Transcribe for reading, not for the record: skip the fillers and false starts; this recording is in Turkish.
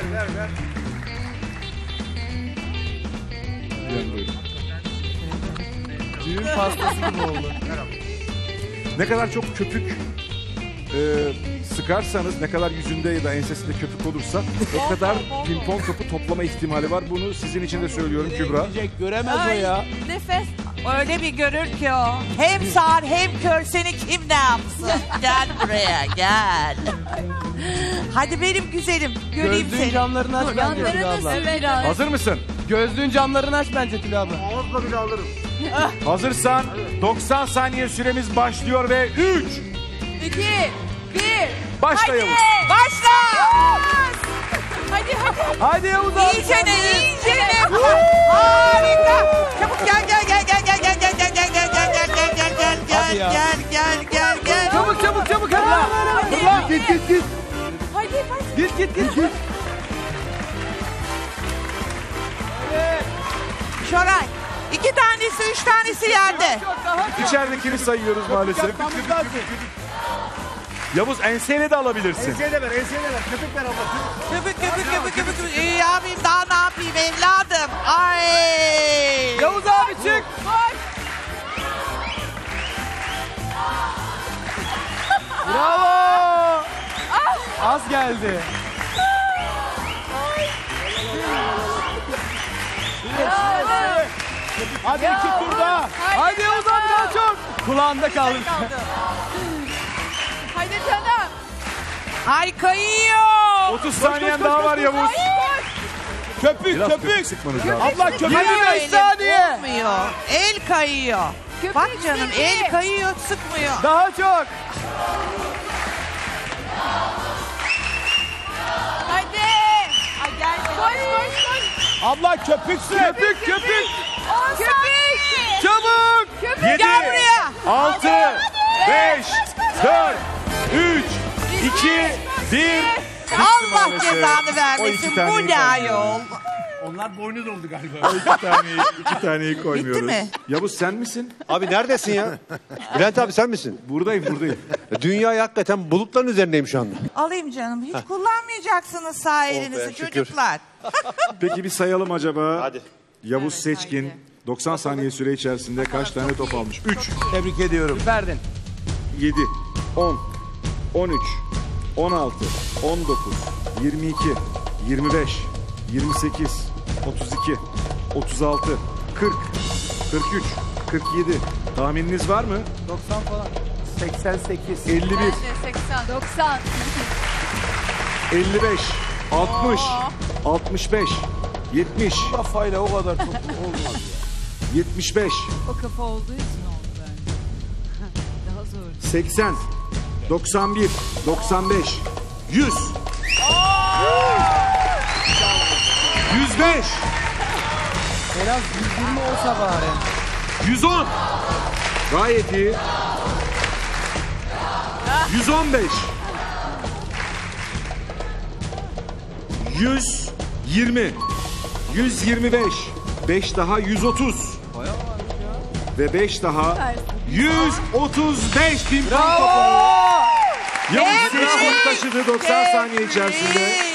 Ver. Düğün pastası gibi oldu. Ne kadar çok köpük sıkarsanız, ne kadar yüzünde ya da ensesinde köpük olursa o kadar pimpon topu toplama ihtimali var. Bunu sizin için de söylüyorum Kübra. Göremez o ya. Nefes. Öyle bir görür ki o. Hem sağır hem kör, seni kim ne yapsın? Gel buraya gel. Hadi benim güzelim. Göreyim Gözlüğün seni. camlarını aç bence Tülay abla. Hazır mısın? Gözlüğün camlarını aç bence Tülay abla. Ağızla bile alırım. Hazırsan 90 saniye süremiz başlıyor ve 3. 2, 1. Başla Yavuz. Başla. Hadi. Hadi Yavuz abi. İyicene. Harika. Çabuk gel. Hadi ya. Gel. Çabuk hadi. Fırla. Git. Hadi. Git. Şoray. 2 tanesi, 3 tanesi yerde. İçeridekini sayıyoruz maalesef. Yavuz enseyle de alabilirsin. Enseye de ver. Köpük ver abla. Köpük. İyi yapayım, daha ne yapayım evladım? Ay. Yavuz abi çık. Bravo. Az geldi. Hadi 2 turda. Hadi Yavuz abi daha çok. Kulağında kaldı. Hadi canım. Ay kayıyor. 30 saniyen daha var Yavuz. Biraz Köpük. sıkmanız lazım. Abla köpük Kayıyor 5 elim, saniye. olmuyor. El kayıyor. Köpük Bak canım seni. el kayıyor, sıkmıyor. Daha çok. Hadi. Ay gel. Koş. Abla köpüksün. Köpük. Köpük. Çabuk. Köpük. 7, Gel buraya. 6, 5, 4, 3, 2, 1. Allah maalesef. cezanı O vermesin. iki taneyi Bu ne ayol? Onlar boynuz oldu galiba. O iki taneyi koymuyoruz. Bitti mi? Yavuz sen misin? Abi neredesin ya? Bülent abi sen misin? Buradayım. Dünya hakikaten bulutların üzerindeyim şu anda. Alayım canım. Hiç kullanmayacaksınız sağ elinizi şükür. çocuklar. Peki bir sayalım acaba. Hadi. Yavuz Seçkin 90 saniye süre içerisinde kaç tane top almış? 3, Tebrik ediyorum. Süperdin. 7, 10, 13, 16, 19, 22, 25, 28, 32, 36, 40, 43, 47. Tahmininiz var mı? 90 falan. 88. 51, 80. 90. 55, 60, 65, 70, Kafayla o kadar çok olmaz. 75, O kafa olduğu için oldu bence. Daha zor. 80, 91, 95, 100. 105, En az 120 olsa bari. 110. Gayet iyi. 115. 120. 125. 5 daha 130. Ve 5 daha 135 bin puan topu. Yavuz Seçkin taşıdı 90 saniye içerisinde.